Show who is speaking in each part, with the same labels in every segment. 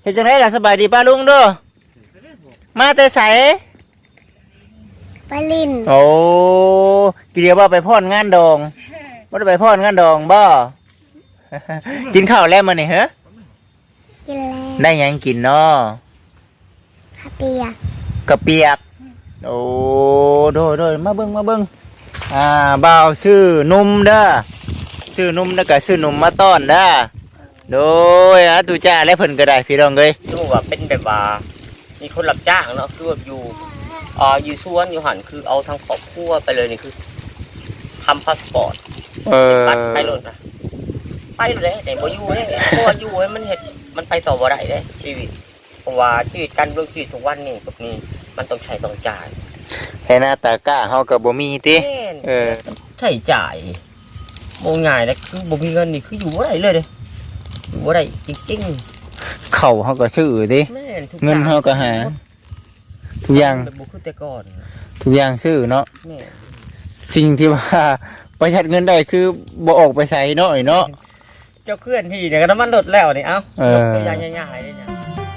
Speaker 1: เฮ็ดจังไดล่ะสบายดีป้าลุงเด้อมาแต่ไส
Speaker 2: ไปลิน
Speaker 1: โอ้กี่เดียวบ่ไปพรงานดองบ่ได้ไปพรงานดองบ่ กินข้าวแล้วมื้อนี้เหรอ
Speaker 2: กินแล้ว
Speaker 1: ได้หยังกินเนาะ
Speaker 2: ข้าวเปียก
Speaker 1: กะเปียกโอ้โดยมาเบิ่งบ่าวซื้อนมเด้อซื้อนมแล้วก็ซื้อนมมาต้อนเด้อโดยตุจ้าและเพิ่นก็ได้พี่น้องเอ้ย
Speaker 3: ดูว่าเป็นแบบว่ามีคนรับจ้างเนาะคือแบบอยู่สวนอยู่หันคือเอาทางครอบครัวไปเลยนี่คือทำพาสปอร์ตบัตรไปรถนะไปเลยแต่บ่อยู่เลยเพราะว่าอยู่ให้มันเห็ดมันไปต่อบ่ได้เลยชีวิตเพราะว่าชีวิตการเรื่องชีวิตทุกวันนี่แบบนี้มันต้องใช้ต้องจ่าย
Speaker 1: ให้หน้าตากล้าเฮาก็บ่มีติ
Speaker 3: ใช้จ่ายบ่ง่ายนะคือบ่มีเงินนี่คืออยู่บ่ได้เลยเด้อยู่บ่ได้จริง
Speaker 1: ๆเข้าเฮาก็ซื้อติเงินเฮาก็หาทุกอย่าง
Speaker 3: บ่คือแต่ก่อน
Speaker 1: ทุกอย่างซื้อเนาะสิ่งที่ว่าประหยัดเงินได้คือบ่ออกไปใช้เนาะเนาะ
Speaker 3: เจ้าเคลื่อนที่เนี่ยก็น้ำมันลดแล้วนี่เอ้ายกตัวอย่างง่ายๆเลยเนี่ย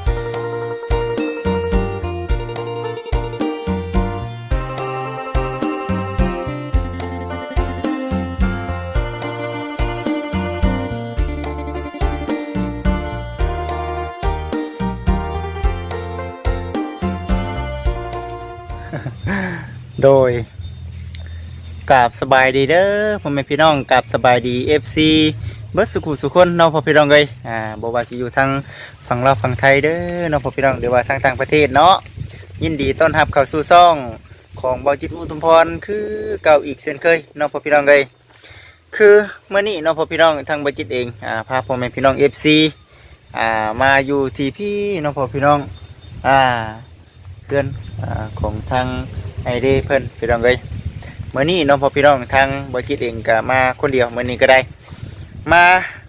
Speaker 1: โดยกราบสบายดีเด้อพ่อแม่พี่น้องกราบสบายดี FC เบิดสุขุสุคนน้องพ่อพี่น้องเลยบ่ว่าสิอยู่ทางฝั่งลาวฝั่งไทยเด้อน้องพ่อพี่น้องหรือว่าทางต่างประเทศเนาะยินดีต้อนรับเข้าสู่ช่องของเบาจิตอุทุมพรคือเก่าอีกเช่นเคยน้องพ่อพี่น้องเลยคือเมื่อนี้น้องพ่อพี่น้องทางเบาจิตเองพาพ่อแม่พี่น้อง FC มาอยู่ที่พี่น้องพ่อพี่น้องเพื่อนของทางไอเดเพิ่นพี่น้องเลยเมื่อนี้น้องพ่อพี่น้องทางบริจิตเองก็มาคนเดียวเมื่อนี้ก็ได้มา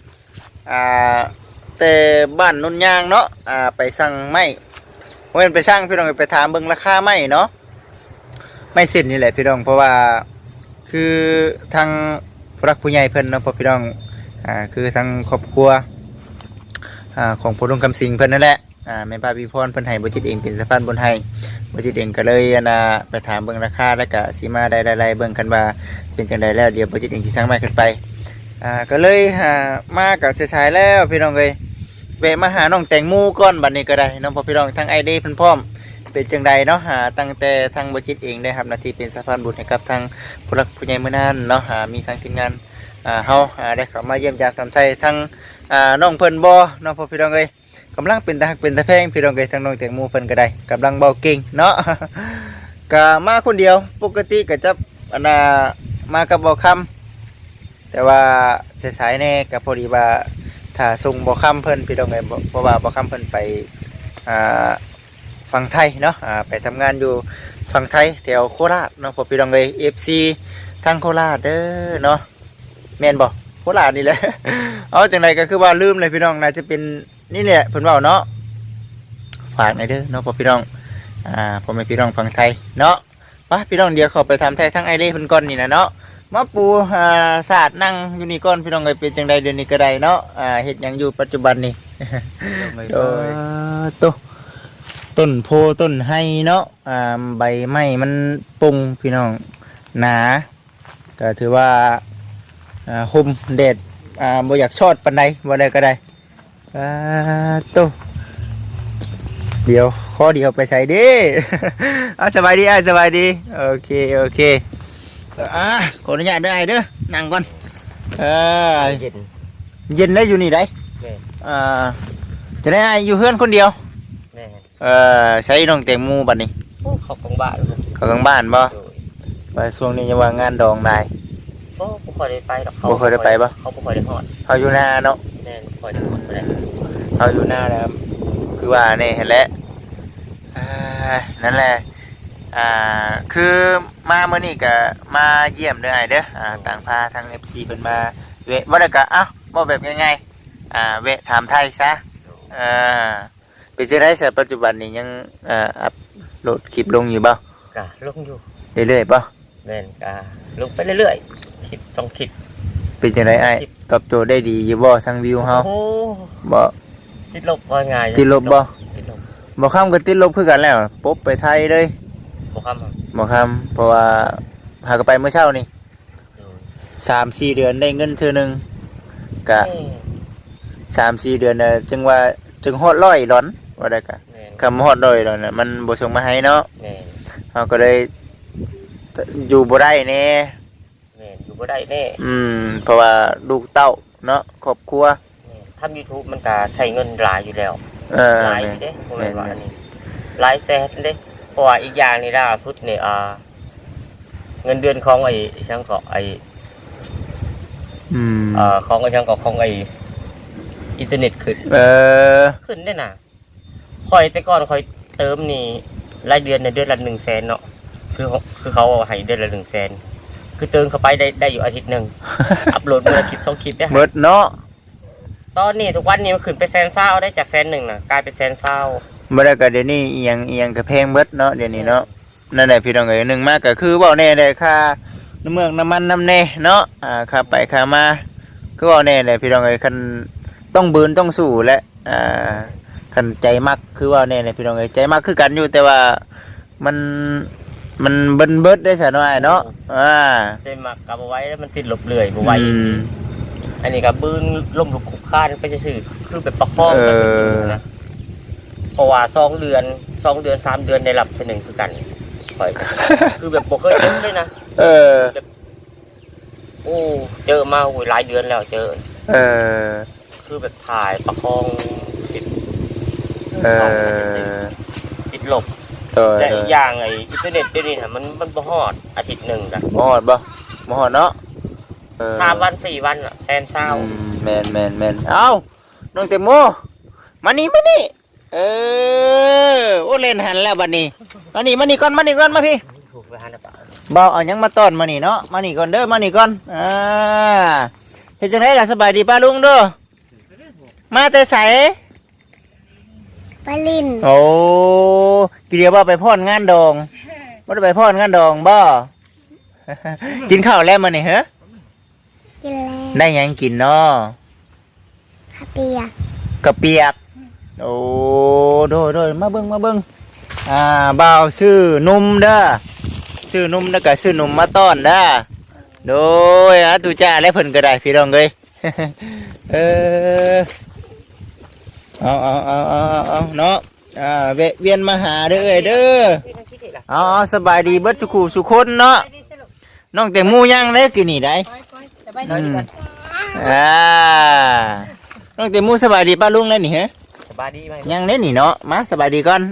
Speaker 1: แต่บ้านนุ่นยางเนาะไปสั่งไม้เว้นไปสั่งพี่น้องไปถามเบิ่งราคาไม้เนาะไม่เสร็จนี่แหละพี่น้องเพราะว่าคือทางผู้รักผู้ใหญ่เพิ่นเนาะพ่อพี่น้องคือทางครอบครัวของพ่อลุงคำสิงเพิ่นนั่นแหละแม่ป้าพี่พรเพิ่นให้บริจิตเองเป็นสะพานบุญให้บริจิตเองก็เลยไปถามเบิ่งราคาแล้วก็สิมาได้เบิ่งกันว่าเป็นจังไดแล้วเดี๋ยวบริจิตเองสิสั่งไม้ขึ้นไปก็เลยมากับสายๆแล้วพี่น้องเลยแวะมาหาน้องแตงโมก่อนบัดนี้ก็ได้น้องพ่อพี่น้องทางไอเดียเพิ่นพร้อมเป็นจังไดเนาะตั้งแต่ทางบริจิตเองได้ครับหน้าที่เป็นสะพานบุญให้กับทางผู้รักผู้ใหญ่มื้อนั้นเนาะมีทางทีมงานเฮาได้เข้ามาเยี่ยมยามทำไทยทางน้องเพิ่นบ่น้องพ่อพี่น้องเลยกำลังเป็นตาหักเป็นตาแพงพี่น้องเลยทางน้องแตงโมเพิ่นก็ได้กำลังเบาเก่งเนาะ ก็มาคนเดียวปกติก็จะมากับบ่คำแต่ว่าสายๆแน่ก็พอดีว่าถ้าส่งบ่คำเพิ่นพี่น้องเลยเพราะว่าบ่คำเพิ่นไปฝั่งไทยเนาะไปทำงานอยู่ฝั่งไทยแถวโคราชเนาะพอพี่น้องเลย FC ทางโคราชเด้อเนาะแม่นบ่โคราชนี่แหละ เอาจังไดก็คือว่าลืมเลยพี่น้องน่าจะเป็นนี่แหละเพิ่นเว้าเนาะฝากหน่อยเด้อเนาะพอพี่น้องผมเป็นพี่น้องฝั่งไทยเนาะป่ะพี่น้องเดียวเขาไปทำไทยทั้งไอเล่เพิ่นก่อนนี่นะเนาะมาปูศาสตร์นั่งอยู่นี่ก่อนพี่น้องเลยเป็นจังใดเดือนนี้ก็ได้เนาะเฮ็ดหยังอยู่ปัจจุบันนี่ โดยต้นโพต้นไฮเนาะใบไม้มันปุ่งพี่น้องหนาก็ถือว่าห่มแดดบ่อยากชอดปานใดบ่ได้ก็ได้เดี๋ยวข้อเดียวไปใส่ดิ สบายดีสบายดีโอเคขออนุญาตได้เด้อนั่งก่อนเย็นได้อยู่นี่ได้จะได้อยู่เพื่อนคนเดียวใช้น้องแตงโมบัดนี้
Speaker 3: เขากลางบ้าน
Speaker 1: เขากลางบ้านบ่ไปช่วงนี้จะว่างานดองได้
Speaker 3: บ่ค่อยได้ไปหรอก
Speaker 1: บ่ค่อยได้ไปบ่
Speaker 3: เขาบ่ค่อยได้ฮอด
Speaker 1: เขาอยู่หน้าเนาะ
Speaker 3: แม่นบ่ค่อยได้ฮอดบ่ได้
Speaker 1: เขาอยู่หน้าแล้วคือว่านี่เห็นแล้วนั่นแหละคือมาเมื่อนี้ก็มาเยี่ยมเด้อเด้อต่างพาทาง FC เพิ่นมาเวะบ่ได้ก็บ่แบบง่ายๆเวะถามไทยซะเป็นจังได๋ซะปัจจุบันนี้ยังอัปโหลดคลิปลงอยู่บ่
Speaker 3: ก็ลงอยู่
Speaker 1: เรื่อยๆบ่
Speaker 3: แม่นก็ลงไปเรื่อยๆคลิปต้องคลิป
Speaker 1: เป็นจังได๋ตอบโจทย์ได้ดีอยู่บ่ทางวิวเฮาบ่
Speaker 3: ติดลบว่าไง
Speaker 1: ติดลบบ่
Speaker 3: ติดลบ
Speaker 1: บ่คำก็ติดลบคือกันแล้วปุ๊บไปไทยเลย
Speaker 3: บ่คำครับ
Speaker 1: บ่คำเพราะว่าหาก็ไปเมื่อเช้านี่3-4 เดือนได้เงินเทื่อนึงก็ 3-4 เดือนน่ะจึงฮอด100ดอนว่าได้ก็
Speaker 3: แม่น
Speaker 1: คำฮอด100ดอนน่ะมันบ่ส่งมาให้เนาะ
Speaker 3: แม่น
Speaker 1: เฮาก็เลยอยู่บ่ได้แน่
Speaker 3: แม่นอยู่บ่ได้แน่
Speaker 1: เพราะว่าลูกเต้าเนาะครอบครัว
Speaker 3: ทำ YouTube มันก็ใช้เงินหลายอยู่แล้ว หลายอยู่เด้บ่แม่นว่าอันนี้หลายแสนเด้เพราะว่าอีกอย่างนี่ล่าสุดนี่เงินเดือนของไอ้ช่างก็ไอ้ของไอ้ช่างก็ของไอ้อินเทอร์เน็ตขึ้นได้น่ะค่อยแต่ก่อนค่อยเติมนี่รายเดือนในเดือนละ100,000เนาะคือเขาเอาให้เดือนละ100,000คือเติมเข้าไปได้อยู่อาทิตย์นึง อัปโหลดมื้อละคลิป2คลิปได้
Speaker 1: เบิดเนาะ
Speaker 3: ตอนนี้ทุกวันนี้มันขึ้นไป120,000ได้จาก100,000น่ะกลายเป็น120,000
Speaker 1: บ่ได้ก็เดี๋ยวนี้อีหยังก็แพงเบิดเนาะเดี๋ยวนี้เนาะนั่นแหละพี่น้องเอ้ยหนึ่งมากก็คือเว้าแน่ได้ค่าน้ำเมืองน้ำมันน้ำแน่เนาะค่าไปค่ามาคือเว้าแน่ได้พี่น้องเอ้ยคันต้องบืนต้องสู้และคันใจมักคือเว้าแน่ได้พี่น้องเอ้ยใจมักคือกันอยู่แต่ว่ามันเบิดได้ซะหน่อยเนาะ
Speaker 3: เต็มมักกับเอาไว้แล้วมันติดหลบเลื่อยบ่ไหวอันนี้ก็บืนล่มลุกคุกคานไปซื่อๆคือแบบประคองไปซื่อๆนะเพราะว่า2 เดือน 3 เดือนได้รับเทื่อนึงคือกันค่อยคือแบบบ่เคยเจอเลยนะแบบโอ้เจอมาโอ้ยหลายเดือนแล้วเจอคือแบบถ่ายประคองติดหลบและอีกอย่างไอ้อินเทอร์เน็ตเดี๋ยวนี้น่ะมันบ่ฮอดอาทิตย์นึงน่ะ
Speaker 1: บ่ฮอดเนาะ
Speaker 3: 3 วัน 4 วันน่ะ120,000
Speaker 1: แม่นเอ้าน้องเตโมมานี่โอ้เล่นหันแล้วบัดนี้มานี่ก่อนมาพี่
Speaker 3: ถูกไปหันน่ะป่ะ
Speaker 1: บ่เอาหยังมาต้อนมานี่เนาะมานี่ก่อนเด้อมานี่ก่อนเฮ็ดจังไดล่ะสบายดีป้าลุงเด้อมาแต่ไส
Speaker 2: ไปลิน
Speaker 1: โอ้กี่เดียวบ่ไปพรงานดองบ่ได้ไปพรงานดองบ่ กินข้าวแล้วมื้อนี้เหรอ
Speaker 2: กินแล้ว
Speaker 1: ได้หยังกินเนาะ
Speaker 2: ข้าวเปียก
Speaker 1: กะเปียกโอ้โดยมาเบิ่งบ่าวซื้อนมเด้อซื้อนมแล้วก็ซื้อนมมาต้อนเด้อโดยตุจ้าและเพิ่นก็ได้พี่น้องเอ้ย เอาเนาะเวียนมาหาเด้อเด้อเอาสบายดีเบิดสุคนเนาะน้องแต่มูยังเด้กินนี่ได้น้องแต่มูสบายดีป้าลุงแล้วนี่ฮะ
Speaker 3: สบายดีไหม
Speaker 1: ยังเล่นนี่เนาะมาสบายดีก่อน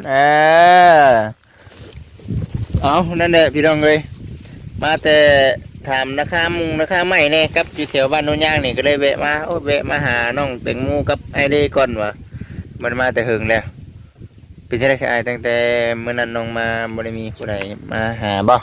Speaker 1: เอานั่นแหละพี่น้องเลยมาแต่ถามราคาใหม่เนี่ยครับอยู่แถวบ้านโนนย่างนี่ก็เลยแวะมาหาน้องแตงโมกับไอเด้ก่อนวะมันมาแต่หึงแล้วเป็นใช่ได้ใช่ตั้งแต่เมื่อนั้นน้องมาบ่ได้มีผู้ใดมาหาบ่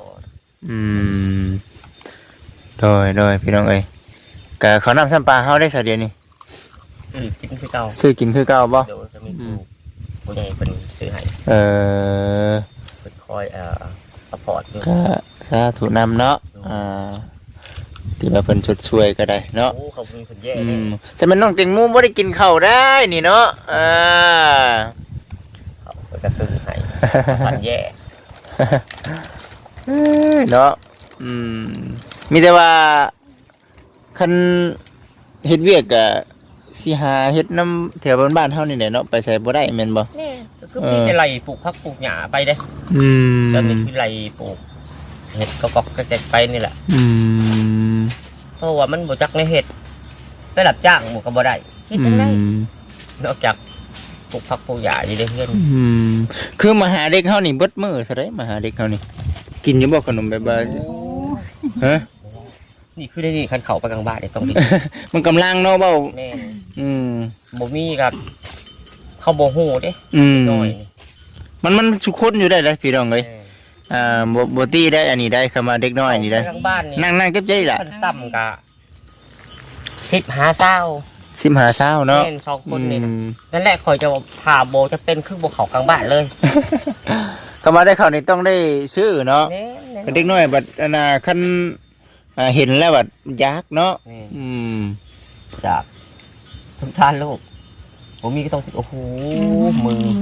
Speaker 1: โดยพี่น้องเอ้ยกะเขานำซ้ำปลาเฮาได้สักเดียวนี่
Speaker 3: กินคือเก่า
Speaker 1: ซื้อกินคือเก่าบ่
Speaker 3: เดี๋ยวจะมีผู้ใหญ่เป็นซื้อให้เป็นคอยซัพพอร์ต
Speaker 1: ก็สาธุนำเนาะที่มาเพิ่นช่วยก็ได้เนาะ
Speaker 3: โอ้เขามีเพิ่นแย่
Speaker 1: จะเป็นน้องเต็งมูบ่ได้กินข้าวได้นี่เนาะ
Speaker 3: เขาจะซื้อให้พันแย่
Speaker 1: เนาะมีแต่ว่าคันเฮ็ดเวียกก็สิหาเฮ็ดน้ำแถวบ้านเฮานี่แหละเนาะไปใส่บ่ได้แม่นบ่
Speaker 3: นี่คือมีแต่ไรปลูกผักปลูกหญ้าไปเด้จะมีคือไรปลูกเห็ดก็แกไปนี่แหละเพราะว่ามันบ่จักในเห็ดได้รับจ้างหมู่ก็บ่ได้คิดจังได๋นอกจากปลูกผักปลูกหญ้าอยู่ได้เพิ่น
Speaker 1: คือมาหาเด็กเฮานี่เบิดมื้อซะได้มาหาเด็กเฮานี่กินอยู่บ่ขนมแบบว่าฮะ
Speaker 3: นี่คือได้นี่คันเข้าไปกลางบ้านนี่ต้องกิน
Speaker 1: มันกำลังเนาะเบ้า
Speaker 3: แม่บ่มีครับเขาบ่ฮู้เด้น้อย
Speaker 1: มันสุคนอยู่ได้เลยพี่น้องเอ้ยบ่ตีได้อันนี้ได้เข้ามาเด็กน้อยนี่ได้นั่งเก็บใจล่ะ
Speaker 3: ต่ำกะ15 20
Speaker 1: เนาะ
Speaker 3: แม่น2คนนี่นั่นแหละข่อยจะพาโบจะเป็นคือบ่เข้ากลางบ้านเลย
Speaker 1: เข้ามาได้เข้านี่ต้องได้ซื้อเนาะเด็กน้อยบัดคันเห็นแล้วบัดยากเนาะ
Speaker 3: จากสงสารลูกผมมีก็ต้องโอ้โหมือ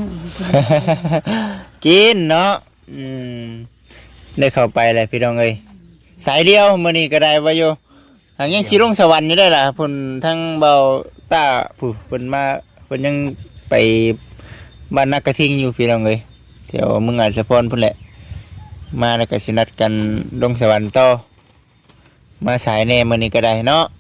Speaker 1: กินเนาะได้เข้าไปเลยพี่น้องเอ้ยสายเดียวมื้อนี้ก็ได้ว่าอยู่ทางยังสิลงสวรรค์อยู่ได้ล่ะเพิ่นทั้งเบาตาผู้เพิ่นมาเพิ่นยังไปบ้านนักกระทิงอยู่พี่น้องเอ้ยแถวเมืองอาจสะพรพุ่นแหละมาแล้วก็สินัดกันลงสวรรค์ต่อมาสายแน่มื้อนี้ก็ได้เนาะ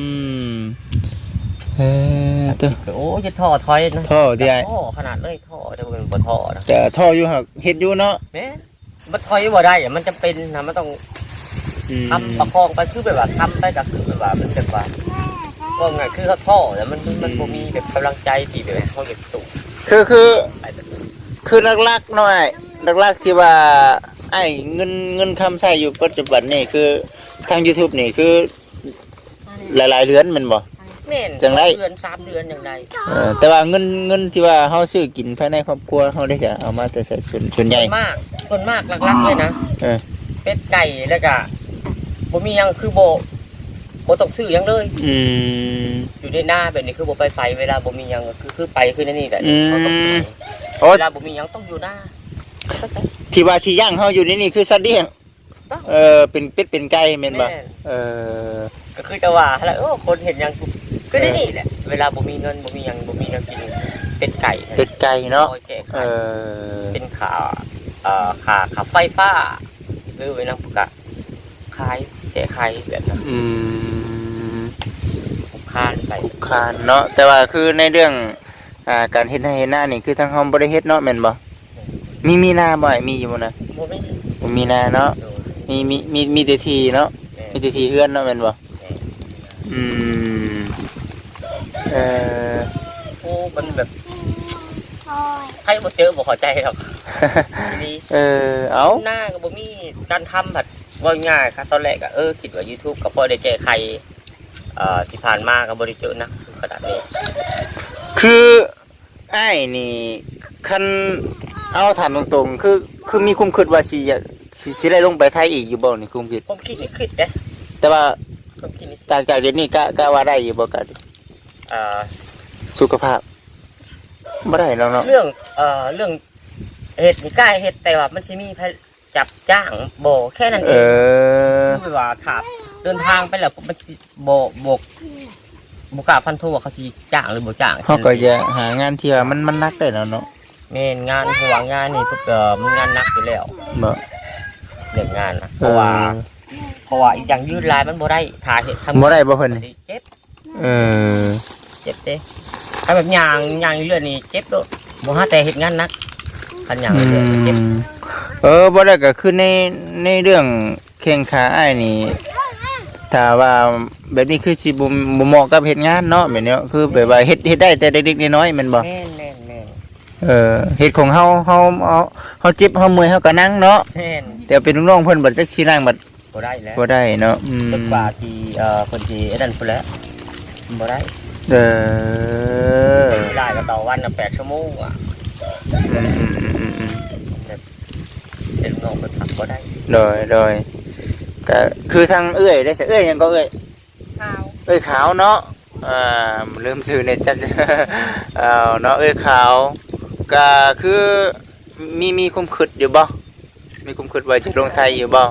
Speaker 1: ตัว
Speaker 3: โอ้จะท่อถอยนะ
Speaker 1: ท่อที่ไอ้
Speaker 3: ท่อขนาดเลยท่อจะเป็นบ่ท่อนะ
Speaker 1: แต่ท่ออยู่หักเฮ็ดอยู่เนาะ
Speaker 3: แม่มันถอยบ่ได้อะมันจะเป็นนะมันต้องทำประคองไปคือแบบว่าทำไปก็คือแบบว่ามันแบบว่าว่าไงคือเขาท่อแต่มันบ่มีแบบกำลังใจที่แบบเขาจะสูง
Speaker 1: คือลักๆหน่อยลักๆที่ว่าไอ้เงินคำใช้อยู่ปัจจุบันนี่คือทาง YouTube นี่คือหลายๆเดือนแมันบ่
Speaker 3: แม่น
Speaker 1: จังไร
Speaker 3: เดือน3เดือนจังได
Speaker 1: แต่ว่าเงินที่ว่าเฮาซื้อกินภายในครอบครัวเฮาได้จะเอามาแต่ใส่ส่วนใหญ่
Speaker 3: ส่วนมากหลักๆเลยนะ
Speaker 1: เออ
Speaker 3: เป็ดไก่แล้วก็บ่มีหยังคือบ่ต้องซื้อหยังเลย อยู่ในหน้าแบบนี้คือบ่ไปไฟเวลาบ่มีหยังคือไปคือนั่นนี่แหละเขาต้องซื้อ
Speaker 1: โอ้
Speaker 3: เวลาบ่มีหยังต้องอยู่หน้า
Speaker 1: ที่ว่าที่ย่างเฮาอยู่นี่คือสัตว์เลี้ยงเป็นเป็ดเป็นไก่แม่นบ่
Speaker 3: แม่น ก็คือจะว่าแล้วคนเห็นหยังคือได้นี่แหละ เวลาบ่มีเงินบ่มีหยังบ่มีหยังกินเป็ดไก่
Speaker 1: เป็ดไก่เนาะ
Speaker 3: โอ้ยแก้ไขเป็นขาไฟฟ้าหรือไว้นำปกะขายแก้ไขแบบนั้นคานไป
Speaker 1: คานเนาะแต่ว่าคือในเรื่องการเฮ็ดให้เฮ็ดหน้านี่คือทางเฮาบ่ได้เฮ็ดเนาะแม่นบ่มีนาบ่มีอยู่บ่นะ
Speaker 3: บ่มี
Speaker 1: บ่มีนาเนาะมีแต่ที่เนาะมีแต่ที่เฮือนเนาะแม่นบ่
Speaker 3: โอ้มันแบบให้บ่เจอบ่เข้าใจหรอกทีนี้
Speaker 1: เอา
Speaker 3: หน้าก็บ่มีการทำผัดว่าง่ายครับตอนแรกก็คิดว่า YouTube ก็พอได้แก้ไขที่ผ่านมาก็บ่ได้เจอนะขนาดนี้
Speaker 1: คือไอ้นี่คันเอาถามตรงๆคือมีความคิดว่าสิได้ลงไปไทยอีกอยู่บ่นี่ความคิด
Speaker 3: ผมคิดนี่คิดเด้
Speaker 1: แต่ว่า
Speaker 3: ผมคิดนี่
Speaker 1: จากเดี๋ยวนี้ก็ว่าได้อยู่บ่ก็สุขภาพบ่ได้แล้วเนาะ
Speaker 3: เรื่องเฮ็ดนี่กล้าเฮ็ดแต่ว่ามันสิมีจับจ้างบ่แค่นั้นเองคือว่าถ้าเดินทางไปแล้วมันสิบ่กล้าฟันธงว่าเขาสิจ้างหรือบ่จ้าง
Speaker 1: เฮาก็จะหางานที่ว่ามันนักได้แล้วเนาะ
Speaker 3: แม่นงานหัวงานนี่มันงานหนักอยู่แล้ว
Speaker 1: บ่
Speaker 3: เรื่องงานนะเพราะว่าอีกอย่างยืดลายมันบ่ได้ถ้าเฮ็ดทำ
Speaker 1: บ่ได้บ่เพิ่น
Speaker 3: เจ็บ
Speaker 1: เ
Speaker 3: เจ็บเด้ถ้าแบบย่างอยู่เรื่อยนี่เจ็บโดดบ่ฮาแต่เฮ็ดงานหนักคันย่างเรื่อยเจ็บ
Speaker 1: บ่ได้ก็คือในเรื่องแข้งขาอ้ายนี่ถ้าว่าแบบนี้คือสิบ่เหมาะกับเฮ็ดงานเนาะแบบนี้คือแบบว่าเฮ็ดได้แต่เล็กๆน้อยๆแม่นบ่
Speaker 3: แม่น
Speaker 1: เฮ็ดของเฮาเจ็บเฮาเมื่อยเฮาก็นั่งเนาะ
Speaker 3: แม่น
Speaker 1: แต่เป็นลูกน้องเพิ่นบัดจักสินั่งบัด
Speaker 3: บ่ได้แล้ว
Speaker 1: บ่ได้เนาะ
Speaker 3: จนกว่าที่เพิ่นสิไอ้นั่นพุ่นแหล้วบ่ได้ได้ก็ต่อวันน่ะ8ชั่วโมงอ่ะเป็นลูกน้องเพิ่นพักบ่ได้
Speaker 1: โดยก็คือทางเอื้อยได้ซะเอื้อยหยังก็เอื้อย
Speaker 3: ข้าว
Speaker 1: เอ้ยขาวเนาะลืมชื่อเนี่ยจัด เนาะเอ้ยขาวก็คือมีความคิดอยู่บ่มีความคิดว่าจะลงไทยอยู่บ่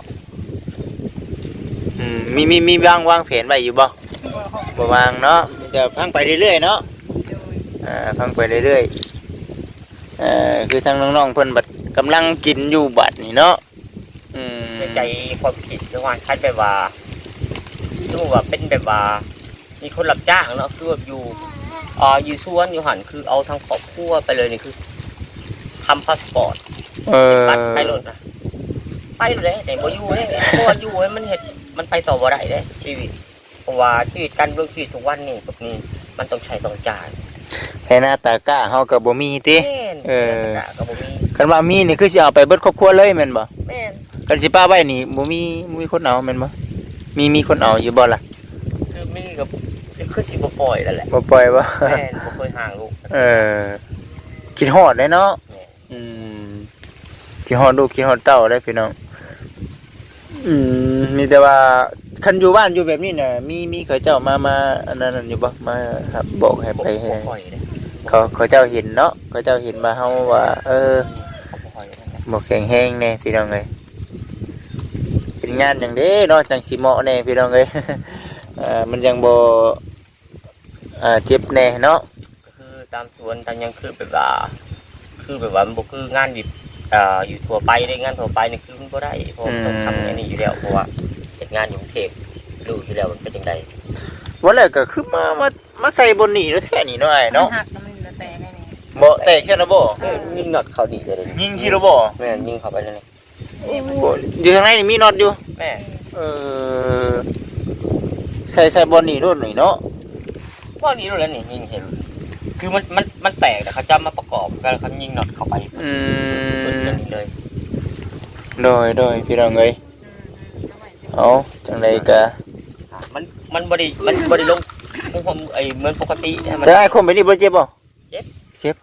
Speaker 1: มีวางแผนไว้อยู่บ่วางเนาะจะพังไปเรื่อยๆเนาะพังไปเรื่อยๆคือทางน้องๆเพิ่นบัดกำลังกินอยู่บัดนี่เนาะ
Speaker 3: ใจความคิดจังหวะคันแบบว่าสมมุติว่าเป็นแบบว่ามีคนรับจ้างเนาะคือแบบอยู่สวนอยู่หันคือเอาทางครอบครัวไปเลยนี่คือทำพาสปอร์ตบัตรไปรถนะไปเลยแต่บ่อยู่เนี่ยเพราะว่าอยู่มันเห็ดมันไปต่อบ่ได้เลยชีวิตเพราะว่าชีวิตการเรื่องชีวิตทุกวันนี่แบบนี้มันต้องใช้ต้องจ่าย
Speaker 1: ให้หน้าตากล้าเฮาก็บ่มีติ
Speaker 3: ก็บ่มี
Speaker 1: คันว่ามีนี่คือสิเอาไปเบิดครอบครัวเลยแม่นบ่
Speaker 3: แม่น
Speaker 1: กันสิป้าไว้นี่บ่มีคนเอาแม่นบ่มีคนเอาอยู่บ่ล่ะ
Speaker 3: คือมีกับคือสิบ่ปล่อยแล้วแหละ
Speaker 1: บ่ปล่อยบ่
Speaker 3: แม่นบ่เคยห่างลูก
Speaker 1: คิดฮอดได้เนาะคิดฮอดลูกคิดฮอดเต้าได้พี่น้องมีแต่ว่าคันอยู่บ้านอยู่แบบนี้น่ะมีเขาเจ้ามาอันนั้นอยู่บ่มาครับบอกให้ไปให้เขาเจ้าเห็นเนาะเขาเจ้าเห็นมาเฮาว่า
Speaker 3: เขาบ่ค่อยนั่นแหละ
Speaker 1: บ่แข็งแรงแน่พี่น้องเอ้ยเป็นงานอย่างเด้เนาะจังสิเหมาะแน่พี่น้องเอ้ย มันยังบ่เจ็บแน่เนาะ
Speaker 3: ก็คือตามสวนตามหยังคือแบบว่ามันบ่คืองานดิบอยู่ทั่วไปได้งานทั่วไปนี่คือมันบ่ได้เพราะต้องทำอันนี้อยู่แล้วเพราะว่าเฮ็ดงานอยู่กรุงเทพรู้อยู่แล้วมันเป็นจังได๋
Speaker 1: ว่าแล้วก็คือมาใส่บนนี่แล้วแท้นี่เนาะไอ้เนาะ
Speaker 4: หักแล้วมันจะแตกได้นี่
Speaker 1: บ่แตกใช่นะบ่
Speaker 3: ยิงน็อตเข้าดีเลย
Speaker 1: ยิงชิโร่บ่
Speaker 3: แม่นยิงเข้าไปเลยนี่
Speaker 1: บ่อยู่ข้างในนี่มีน็อตอยู่
Speaker 3: แม่
Speaker 1: เออใส่บนนี่รุ่นนี่เนาะ
Speaker 3: พวกนี้รู้แล้วนี่ยิงเห็นคือมันแตกแต่เขาจะมาประกอบกันเขายิงน็อตเข้าไป
Speaker 1: อื
Speaker 3: เป็น
Speaker 1: ม
Speaker 3: อย่างนี้เลย
Speaker 1: โดยพี่น้องเอ้ยเอาจังไดก็
Speaker 3: มันบ่ได้ลงไอ้เหมือนปกติเนี่ยมัน
Speaker 1: แต่ไอ้คนไปนี่บ่เจ็บบ่เจ็บ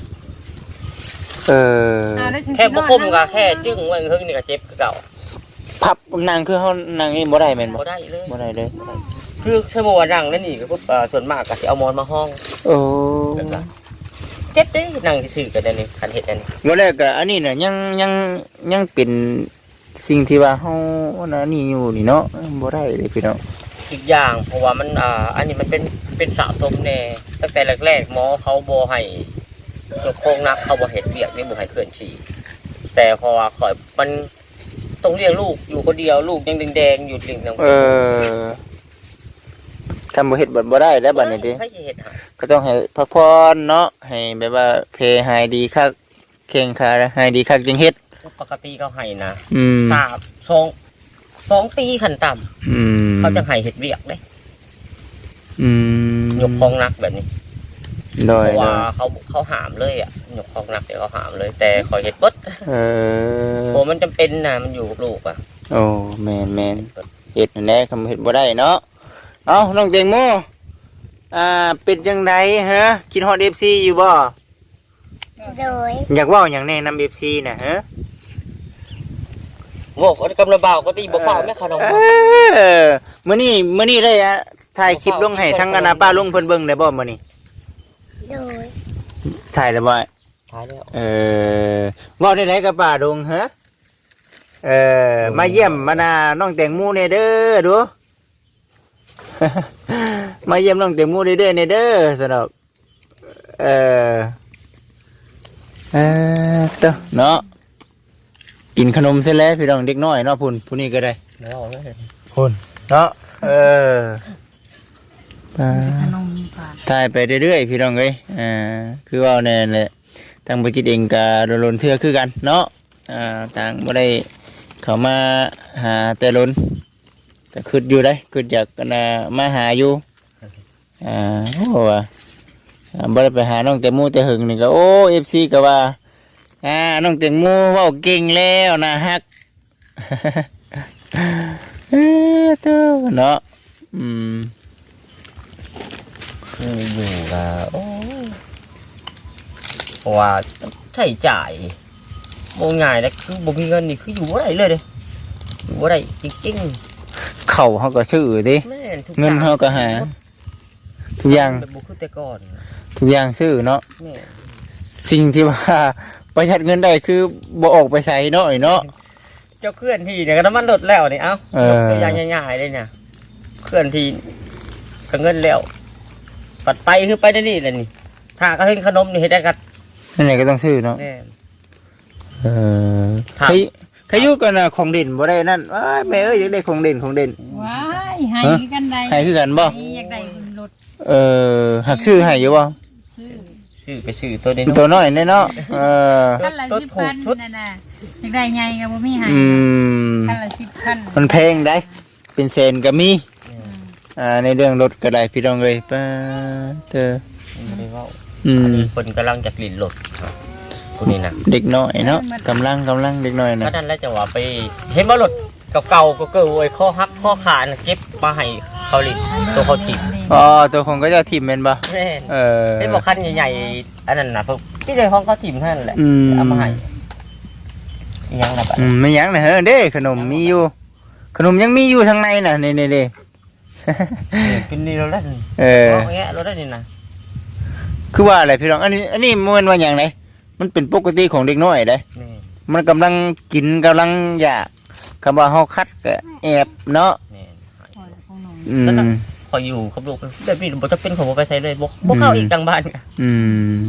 Speaker 3: แค่บ่คมก็แค่จึ้งไว้เฮิงนี่ก็เจ็บคือเก่า
Speaker 1: พับนั่งคือเฮานั่งนี่บ่ได้แม่นบ่
Speaker 3: บ่ได้เลย
Speaker 1: บ่ได้เลย
Speaker 3: คือชั่วโมงนั่งนั่นนี่ก็พวกส่วนมากก็สิเอาหมอนมาห้อง
Speaker 1: โอ้
Speaker 3: แบบนั้นเจ็บเด้นั่งซื่อๆกันนี่คันเฮ็ดอันนี้
Speaker 1: บ่แล้วก็อันนี้น่ะยังเป็นสิ่งที่ว่าเฮาอันนี้อยู่นี่เนาะบ่ได้เลยพี่น้อง
Speaker 3: อีกอย่างเพราะว่ามันอันนี้มันเป็นสะสมแน่ตั้งแต่แรกๆหมอเขาบ่ให้ยกโครงนักเขาบ่เฮ็ดเวียกนี่บ่ให้เคลื่อนที่แต่เพราะว่าข่อยมันต้องเลี้ยงลูกอยู่คนเดียวลูกยังแดงๆอยู่ลิ่งน้
Speaker 1: ทำบ่เฮ็ดบ่ได้แล้วบัดนี้ติ
Speaker 3: ให้เฮ็ดหา
Speaker 1: ก็ต้องให้พักผ่อนเนาะให้แบบว่าเพลหายดีคักแข้งขาหายดีคักจังเฮ็ด
Speaker 3: ปกติเขาให้นะ 2 ปีขั้นต่ำเขาจะให้เฮ็ดเวียกเด้ยกของหนักแบบนี้
Speaker 1: โดย
Speaker 3: เพราะว่าเขาหามเลยอ่ะยกของหนักเดี๋ยวเขาหามเลย แต่ขอเฮ็ดเบิดโอ้มันจำเป็นนะมันอยู่กับลูกอ่ะ
Speaker 1: โอ้แม่นเฮ็ดนั่นแหละคำเฮ็ดบ่ได้เนาะเอ้าน้องแตงโมเป็นจังไดฮะคิดฮอด FC อยู่บ่
Speaker 2: โดย
Speaker 1: อยากเว้าหยังแน่นำ FC น่ะฮะ
Speaker 3: โง่คนกำลังเบาก็ตีบ่ฟ้าแม่ขนม
Speaker 1: มื้อนี้ได้ถ่ายคลิปลงให้ทั้งอนาป้าลุงเพิ่นเบิ่งได้บ่มื้อนี้
Speaker 2: โดย
Speaker 1: ถ่ายแล้วบ่
Speaker 3: ตายแล้ว
Speaker 1: เว้าได้ไหนกับป้าดงฮะมาเยี่ยมมานาน้องแตงโมเนเด้อดู มาเยี่ยมน้องแตงโมเด้อเนเด้อสำหรับเต้อเนาะกินขนมเสร็จแล้วพี่น้องเด็กน้อยเนาะผู้นี้ก็ได้
Speaker 3: แล้วเลย
Speaker 1: พุ่นเนาะ
Speaker 4: ขนมฝาก
Speaker 1: ถ่ายไปเรื่อยๆพี่น้องเอ้ยคือว่าแน่แหละทางบริจิตเองก็โดนเทื่อคือกันเนาะต่างบ่ได้เข้ามาหาแต่ล้นแต่คิดอยู่ได้คิดอยากกันมาหาอยู่โอ้ว่าบ่ได้ไปหาน้องแตงโมแต่หึงนี่ก็โอ้ FC ก็ว่าน้องแตงโมเว้าเก่งแล้วนะฮัก เต้อเนาะ
Speaker 3: คืออยู่กับโอ้เพราะว่าใช้จ่ายบ่ง่ายนะคือบ่มีเงินนี่คืออยู่บ่ได้เลยเด้อยู่บ่ได้จริง
Speaker 1: เขาเฮาก็ซื้อดิ
Speaker 3: ๆแม่นทุก
Speaker 1: เงินเฮาก็หา ทุกอย่าง
Speaker 3: แบบบ่คือแต่ก่อน
Speaker 1: ทุกอย่างซื้อเนาะ
Speaker 3: แม่
Speaker 1: สิ่งที่ว่าประหยัดเงินได้คือบ่ออกไปใช้เนาะไอ้เนาะ
Speaker 3: เจ้าเคลื่อนที่เนี่ยก็น้ำมันลดแล้วนี่เอ้า
Speaker 1: เออ
Speaker 3: ตัวอย่างง่ายๆเลยเนี่ยเคลื่อนที่ก็เงินแล้วปัดไปคือไปได้นี่แหละนี่ถ้าก็เห็นขนมนี่เฮ็ดได้กัน
Speaker 1: นั่นแหละก็ต้องซื้อเนาะ
Speaker 3: แน่
Speaker 1: ใครอยู่กันน่ะของเด่นบ่ได้นั่นว้ายแม่เอ้ยอยากได้ของเด่น
Speaker 4: ว้ายให้กันใด
Speaker 1: ให้คือกันบ่
Speaker 4: อยากได้รถ
Speaker 1: หักซื้อให้อยู่บ่
Speaker 4: ซื้อ
Speaker 3: ไปซื้อตัวนี้
Speaker 1: ตัวน้อยแน่เนาะ
Speaker 4: คันละ10,000นั่นน่ะอยากได้ใหญ่ก็บ่มีให้คันละ10,000
Speaker 1: มันแพงได้เป็นแสนก็มีในเรื่องรถก็ได้พี่น้องเอ้ยป้าเธอ
Speaker 3: ไม่ได้เว้าอันนี้คนกำลังจะกลิ่นรถคนนี้นะ
Speaker 1: เด็กน้อยเนาะกำลังเด็กน้อยนะ
Speaker 3: ก็นั่นแล้วจะว่าไปเห็นว่ารถเก่าๆก็เกิดไอ้ข้อหักข้อขาดเก็บมาให้เขาลิตัวเขาจิบ
Speaker 1: ตัวของก็จะทิมเป็นปะ
Speaker 3: แม่นเป็นบอกคันใหญ่ๆอันนั้นนะพวกพี่เลยของเขาทิมท่านแหละเอามาให้ยังนะบัด
Speaker 1: ไม่ยั้งนะเฮ้เด้ขนมมีอยู่ขนมยังมีอยู่ทางในน่ะนี่เด้
Speaker 3: กินนี่เราได้
Speaker 1: เออ
Speaker 3: เงี้ยเราได้นี่นะ
Speaker 1: คือว่าอะไรพี่น้องอันนี้มันว่าอย่างไรมันเป็นปกติของเด็กน้อยเด้
Speaker 3: แม่
Speaker 1: มันกำลังกินกำลังอยากคำว่าเฮาคัดก็แอบเนาะ
Speaker 3: แม่
Speaker 4: ของน้อง
Speaker 1: อืม
Speaker 3: พออยู่กับลูกแบบนี้บ่จะเป็นของบ่ไปใส่เลยบ่เข้าอีกทางบ้านกัน
Speaker 1: อืม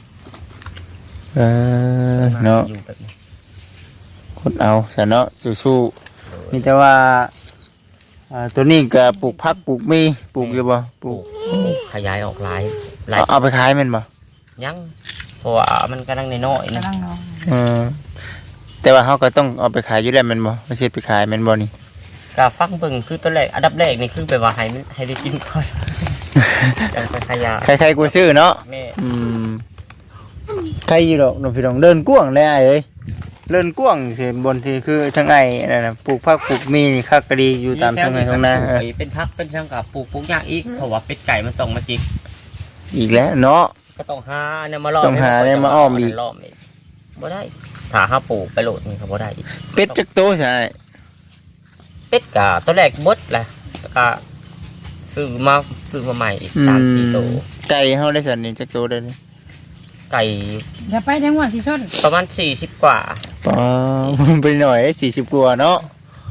Speaker 1: เนาะ
Speaker 3: อยู่แบบนี้
Speaker 1: คนเอาซะเนาะสู้ๆมีแต่ว่าตัวนี้ก็ปลูกผักปลูกมีปลูกอยู่บ่ปลูก
Speaker 3: ขยายออกหลาย
Speaker 1: เอาไปขายแม่นบ่
Speaker 3: ยังเพราะว่ามันกำลังน้อยๆนะ
Speaker 4: กำลังน้อง
Speaker 1: เออแต่ว่าเฮาก็ต้องเอาไปขายอยู่แล้วแม่นบ่บ่สิไปขายแม่นบ่นี่
Speaker 3: ก็ฟังเบิ่งคือตัวแรกอันดับแรกนี่คือแบบว่าให้ได้กินก่อนจังไปขยาย
Speaker 1: ใครๆกูซื้อเนาะ
Speaker 3: แม่
Speaker 1: อืมใครอยู่ดอกน้องพี่น้องเดินกว้างเลยอ้ายเอ้ยเดินกว้างที่บนที่คือทั้งไอ้นั่นน่ะปลูกผักปลูกมีนี่คักก็ดีอยู่ตามทุ่งไร่ทุ่งนา
Speaker 3: เป็นพักเป็นช่างกับปลูกยากอีกเพราะว่าเป็ดไก่มันต้องมาจิก
Speaker 1: อีกแล้วเนาะ
Speaker 3: ก็ต้องหาเนี่ยมาล้อม
Speaker 1: ต้องหาเนี่ยมาอ้อมอีก
Speaker 3: ล้อมอีกบ่ได้ถ้าหาปลูกไปโหลดนี่ก็บ่ได้อีก
Speaker 1: เป็ดจักโตใช่
Speaker 3: เป็ดกะตัวแรกบดแหละแล้วก็ซื้อมาใหม่อีก3-4ตัว
Speaker 1: ไก่เฮาได้สันนี่จักโตได้นี่
Speaker 3: ไก่
Speaker 4: อย่าไปจังหวัดสิชน
Speaker 3: ประมาณ40กว่า
Speaker 1: ป๋อไปหน่อย40กว่าเนาะ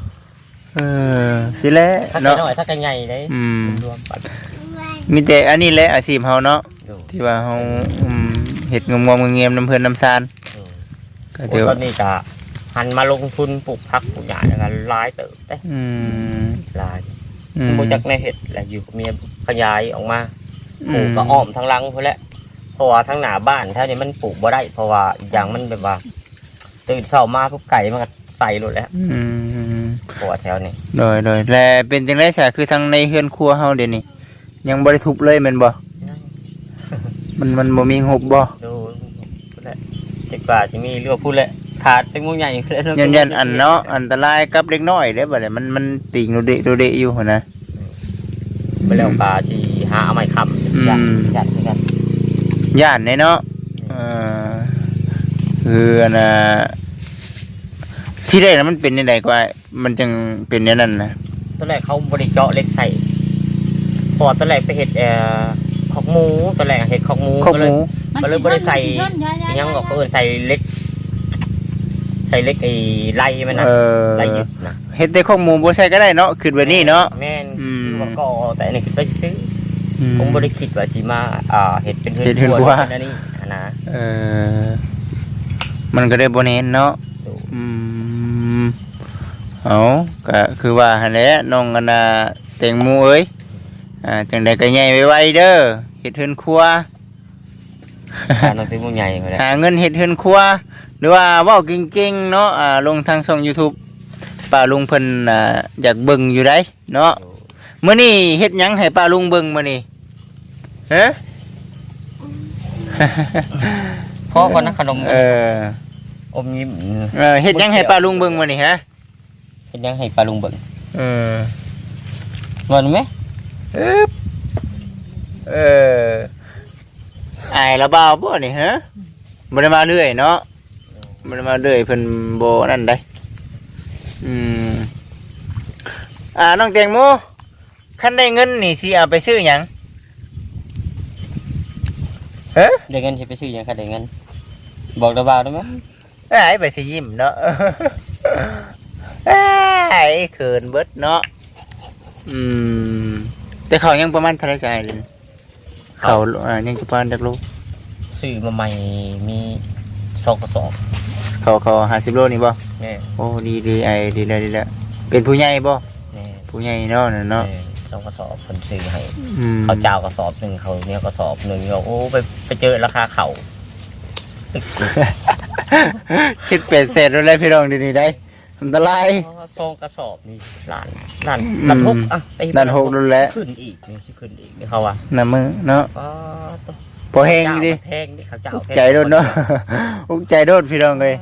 Speaker 1: สิแล
Speaker 3: ถ้าไก่
Speaker 1: เนาะ
Speaker 3: น้อยถ้าไก่ใหญ่ได้
Speaker 1: อืม
Speaker 3: รวมปัน
Speaker 1: มีแต่อันนี้แหละอาชีพเฮาเนาะ
Speaker 3: ดู
Speaker 1: ที่ว่าเฮาเฮ็ดงมๆเงียบๆน้ำเพิ่นน้ำซานก็
Speaker 3: โอ้
Speaker 1: ถือ
Speaker 3: ตอ
Speaker 1: ว่าน
Speaker 3: นี้ก็หันมาลงทุนปลูกผักปลูกหญ้าอย่างนั้นหลายเติบได้
Speaker 1: อืม
Speaker 3: หลาย
Speaker 1: อืม
Speaker 3: บ่จักในเห็ดแหละอยู่กับเมียขยายออกมาปลูกก็อ้อมทั้งหลังพุ่นแหละเพราะว่าทั้งหน้าบ้านแถวนี้มันปลูกบ่ได้เพราะว่าอีกอย่างมันแบบว่าตื่นเช้ามาปุ๊บไก่มันก็ใส่หมดแล้ว
Speaker 1: อืม
Speaker 3: เพราะว่าแถวนี้
Speaker 1: โดยและเป็นจังได๋ซะคือทางในเฮือนครัวเฮาเดี๋ยวนี้ยังบ่ได้ทุบเลยแม่นบ่มันบ่มีงบบ่
Speaker 3: ดูพุ่นแหละเด็กกว่าสิมีเรือพุ่นแหละขาดเป็นงูใหญ่พุ่นแหละ
Speaker 1: ยันอันเนาะอันตรายกับเด็กน้อยเด้บัดนี้มันติงโดเดะอยู่หั่นนะ
Speaker 3: ไปแล้วปลาสิหาเอาไม้ค้ำยัดกัน
Speaker 1: ย่านเนาะคืออันน่ะที่แรกน่ะมันเป็นจังได๋กว่ามันจึงเป็นอย่างนั้นนะ
Speaker 3: ตอนแรกเขาบริเจาะเหล็กใส่พอตอนแรกไปเห็ดขอกหมูตอนแรกเห็ดขอกหมู
Speaker 1: ข้าว
Speaker 3: ก็
Speaker 1: ห
Speaker 3: เลย
Speaker 1: มู
Speaker 3: ก็เลยบ่ได้ใส่ ยังบอกเขาเอินใส่เล็กไอ้ไล่มันนะไล่ยึดนะ
Speaker 1: เฮ็ดได้ข้าวหมูบ่ใส่ก็ได้เนาะคือแบบนี้เนาะ
Speaker 3: แม่น
Speaker 1: อืม
Speaker 3: คือว่าก็แต่อันนี้คือไปซื้อผมบริคิดว่าสิมาเห็ดเป็น
Speaker 1: เฮ็ดเฮือนครัว
Speaker 3: เป็นอันนี้นะ
Speaker 1: มันก็ได้บ่เน้นเนาะ
Speaker 3: ดู
Speaker 1: เอาก็คือว่าหั่นแหละน้องกันน่ะแตงโมเอ้ยจังใดก็ใหญ่ไวๆเด้อเฮ็ดเฮือนครัว
Speaker 3: ทานเป็นมูใหญ่มาเลย
Speaker 1: หาเงินเฮ็ดเฮือนครัวหรือว่าเว้าเก่งๆเนาะลงทางช่อง YouTube ป้าลุงเพิ่นอยากเบิ่งอยู่ได้เนาะมื้อนี้เฮ็ดหยังให้ป้าลุงเบิ่งมื้อนี้ฮะ
Speaker 3: พ่อก่อนนะขนม อมยิ้ม
Speaker 1: เฮ็ดหยังให้ป้าลุงเบิ่งมื้อนี้ฮะ
Speaker 3: เห็ดยังให้ปลาลุงเบิ่ง
Speaker 1: เออ
Speaker 3: เงินไหม
Speaker 1: อายละบ่าวบ่นี่ฮะบ่ได้มาเรื่อยเนาะบ่ได้มาเรื่อยเพิ่นบ่นั่นได้น้องแตงโมคันได้เงินนี่สิเอาไปซื้อหยังฮะ
Speaker 3: ได้เงินสิไปซื้อหยังค่ะได้เงินบอกดาวาวได้ไหม
Speaker 1: อ้ายไปสิยิ้มเนาะอ้ายเขินเบิดเนาะแต่เขายังประมาณเท่าไหร่ใช่เลยเขายังประมาณจักโล
Speaker 3: ซื้อมาใหม่มี2กระสอบ
Speaker 1: เขา50โลนี่บ่
Speaker 3: แม่
Speaker 1: โอ้ดีไอ้ดีแล้วเป็นผู้ใหญ่บ่
Speaker 3: แม่
Speaker 1: ผู้ใหญ่เนาะนั่นเนาะ
Speaker 3: 2กระสอบคนซื้อให้
Speaker 1: อืม
Speaker 3: เขาเจ้ากระสอบหนึ่งเขาเนี่ยกระสอบหนึ่งเราโอ้ไปเจอราคาเขา
Speaker 1: คิดเป็นเศษอะไรพี่น้องดีๆได้อันตราย
Speaker 3: ซองกระสอบนี่ล้านหกอ่ะไป
Speaker 1: ด้านหกนั่นแหละ
Speaker 3: ขึ้นอีกนี่สิขึ้นอีกนี่เขาว่า
Speaker 1: น้ำมือเนาะ
Speaker 3: ตัว
Speaker 1: พอแห้งดิ
Speaker 3: แพงดิเขาเจ้า
Speaker 1: อุกใจโดนเนาะอุกใจโดนพี่น้องเลย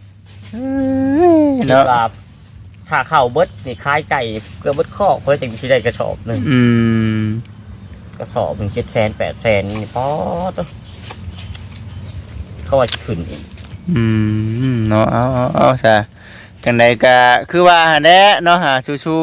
Speaker 3: เนาะ
Speaker 1: เนาะ
Speaker 3: ถ้าเข้าเบิดนี่คล้ายไก่เกลือเบิดข้อเพื่อจะที่ได้กระสอบหนึ่ง กระสอบ1 700,000 800,000นี่พอตัวเขาว่าจะขึ้นอีก
Speaker 1: เนาะเอาซะจังใดก็คือว่าแหละเนาะหาชู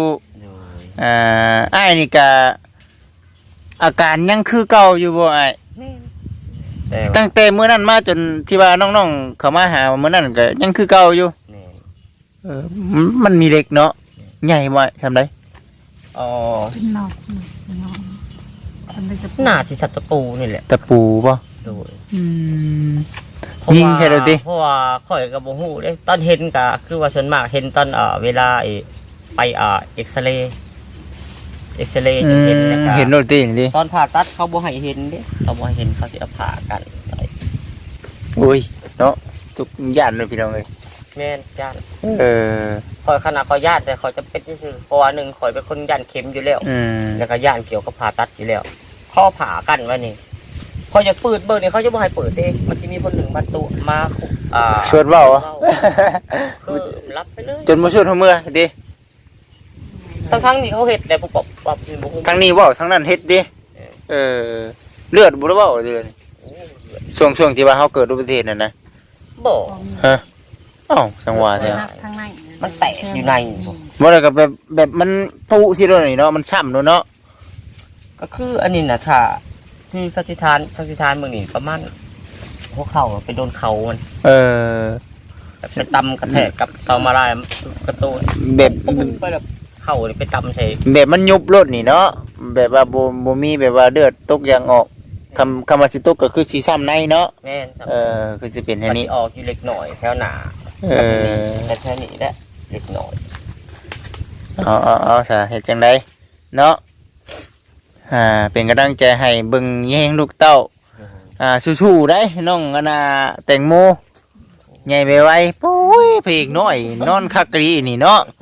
Speaker 1: อ้ายนี่ก็อาการยังคือเก่าอยู่บ่อ้าย
Speaker 3: แม่นแต่ว่า
Speaker 1: ตั้งแต่มื้อนั้นมาจนที่ว่าน้องๆเข้ามาหามื้อนั้นก็ยังคือเก่าอยู่
Speaker 3: แม่น
Speaker 1: มันมีเหล็กเนาะใหญ่บ่ทำได
Speaker 3: อ๋อ
Speaker 4: เป็นนอกทำเป็นจะ
Speaker 3: หน้าที่สัตว์ตะปูนี่แหละ
Speaker 1: ตะปูบ่
Speaker 3: โดย
Speaker 1: อืม
Speaker 3: เพราะ
Speaker 1: ยิง
Speaker 3: ว่า
Speaker 1: ใช่เลยติ
Speaker 3: เพราะว่าข่อยกับบ่ฮู้เด้ตอนเห็นก็คือว่าส่วนมากเห็นตอนเวลาไปเอ็กซเรย์จะเห็นนะครับ
Speaker 1: เห็นโรตีนี่ดิ
Speaker 3: ตอนผ่าตัดเขาบ่ให้เห็นเด้เขาบ่ให้เห็นเขาสิเอาผ่ากัน
Speaker 1: อุ้ยเนาะทุกย่านเลยพี่น้องเอ้ย
Speaker 3: แม่นย่าน
Speaker 1: เออ
Speaker 3: ข่อยขนาดข่อยญาติแต่ข่อยจะเป็นซื่อๆเพราะว่าหนึ่งข่อยเป็นคนย่านเข็มอยู่แล้ว
Speaker 1: อืม
Speaker 3: แล้วก็ย่านเกี่ยวกับผ่าตัดอยู่แล้วเขาผ่ากันไว้นี่เขาจะเปิดเบิ่งนี่เขาจะบ่ให้เปิดเด้มันสิมีคนหนึ่งมาตุมา
Speaker 1: ชวนเว้า
Speaker 3: คือรับไปเลย
Speaker 1: จนบ่ชวนเฮาเมื่อดิ
Speaker 3: ทั้งๆนี่เขาเฮ็ดแต่บ่ปรับบ่ฮู้
Speaker 1: ทั้งนี้เว้าทั้งนั้นเฮ็ดดิเออเลือดบ่ได้เว้าเดือนช่วงที่ว่าเฮาเกิดอุบัติเหตุนั่นนะ
Speaker 3: บ่
Speaker 1: ฮะอ้าวจังหวะแท้
Speaker 4: ข้างใน
Speaker 3: มันแตกอยู่ใน
Speaker 1: บ่ได้ก็แบบมันปุสิโดนนี่เนาะมันช้ำเนาะ
Speaker 3: ก็คืออันนี้น่ะถ้าคือสัติทานเมืองนี่ประมาณหัวเข่าไปโดนเข่ามัน
Speaker 1: เออ
Speaker 3: ไปตำกระแทกกับเสามาลายกระตูน
Speaker 1: แบบ
Speaker 3: ปุ๊บไปแบบเข่านี่ไปตำใส่
Speaker 1: แบบมันยุบรถนี่เนาะแบบว่าบ่มีแบบว่าเลือดตกยางออกคำว่าสิตกก็คือสิซ้ำในเนาะ
Speaker 3: แม่นครับ
Speaker 1: คือสิเป็นแค่
Speaker 3: มัน
Speaker 1: นี้
Speaker 3: สิออกอยู่เล็กหน่อยแถวหนา
Speaker 1: เออ
Speaker 3: แต่แค่นี้แหละเล็กหน่อย
Speaker 1: เอาซะเฮ็ดจังไดเนาะเป็นกำลังใจให้เบิ่งแย่งลูกเต้าสู้ๆได้น้องอนาแตงโมใหญ่ไวๆโอ้ยเพลงน้อยนอนคักกะรีนี่เนาะ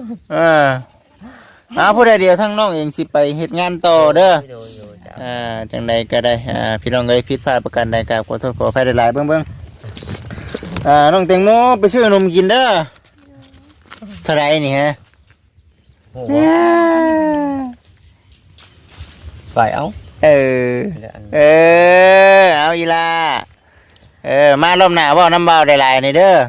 Speaker 1: ผู้ใดเดียวทั้งน้องเองสิไปเฮ็ดงานต่อเด้อ
Speaker 3: โดยจ้ะ
Speaker 1: จังใดก็ได้พี่น้องเอ้ยผิดพลาดประการใดก็ขอโทษขออภัยหลายๆเบิ่งน้องแตงโมไปซื้อนมกินเด้อเท่าไหร่นี่ฮะ
Speaker 3: โอ้โหไปเอา
Speaker 1: เออ เอาอีลามารอบหน้าเว้าน้ำเบาได้หลายนี่เด้อ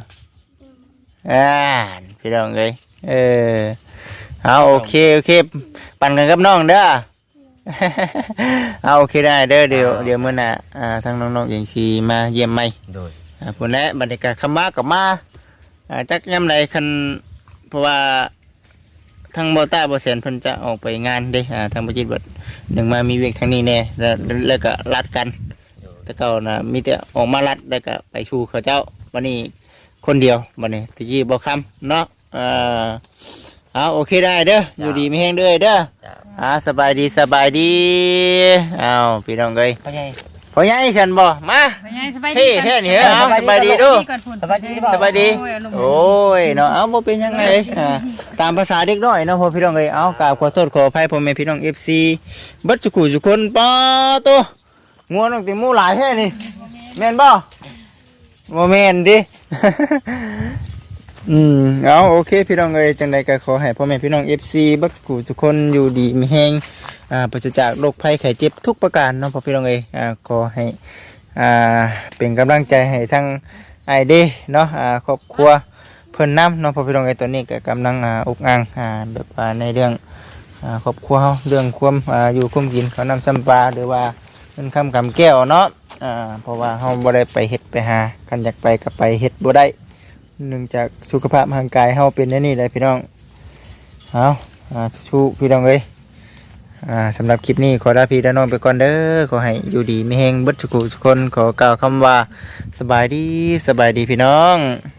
Speaker 1: พี่น้องเอ้ยเอาโอเคปั่นกันกับน้องเด้อ เอาโอเคได้เด้อเดี๋ยวมื้อหน้าทางน้องๆอย่างสิมาเยี่ยมใหม่
Speaker 3: โดย
Speaker 1: พุ่นแหละบรรยากาศคำมากับมาจักยามใดคันเพราะว่าทางบ่ต้าบ่แสนเพิ่นจะออกไปงานเด้ทางบ่จิตเบิดหนึ่งมามีเวียกทางนี้แน่แล้วก็รัดกัน แต่เก่านะมีแต่ออกมารัดแล้วก็ไปชูเขาเจ้าวันนี้คนเดียววันนี้ตะกี้บ่คำเนาะเอาโอเคได้เด้ออยู่ดีมีแห้งเด้อเด้อ
Speaker 3: จ้ะ
Speaker 1: สบายดีเอาพี่น้องเอ้ย
Speaker 3: พ่อใหญ่
Speaker 1: พ่อใหญ่ฉันบ่มา
Speaker 4: ไปไงสบายดี
Speaker 1: เท่แท้นี่เหรอเอาสบายดีดู
Speaker 3: สบายดี
Speaker 1: สบายดีโอ้ยเนาะเอาบ่เป็นยังไงตามภาษาเด็กน้อยเนาะพ่อพี่น้องเอ้ยเอากราบขอโทษขออภัยพ่อแม่พี่น้อง FC เบิดสุขุทุกคนป้าตัวงัวน้องติมูหลายแท้นี่แม่นบ่บ่แม่นดิ เอาโอเคพี่น้องเอ้ยจังใดก็ขอให้พ่อแม่พี่น้อง FC เบิดสุขุทุกคนอยู่ดีมีแฮงปราศจากโรคภัยไข้เจ็บทุกประการเนาะพ่อพี่น้องเอ้ยขอให้เป็นกำลังใจให้ทั้งไอเดเนาะครอบครัวเพิ่นน้ำเนาะพ่อพี่น้องเอ้ยตอนนี้ก็กำลังอกอ่างแบบว่าในเรื่องครอบครัวเฮาเรื่องความอยู่ความกินข้าวน้ำจำปาหรือว่าเงินคำกำแก้วเนาะเพราะว่าเฮาบ่ได้ไปเฮ็ดไปหาคันอยากไปก็ไปเฮ็ดบ่ได้เนื่องจากสุขภาพร่างกายเฮาเป็นอย่างนี้แหละพี่น้องเอาสู้พี่น้องเอ้ยสำหรับคลิปนี้ขอลาพี่ลาน้องไปก่อนเด้อขอให้อยู่ดีมีแฮงเบิดทุกคนขอกล่าวคำว่าสบายดีพี่น้อง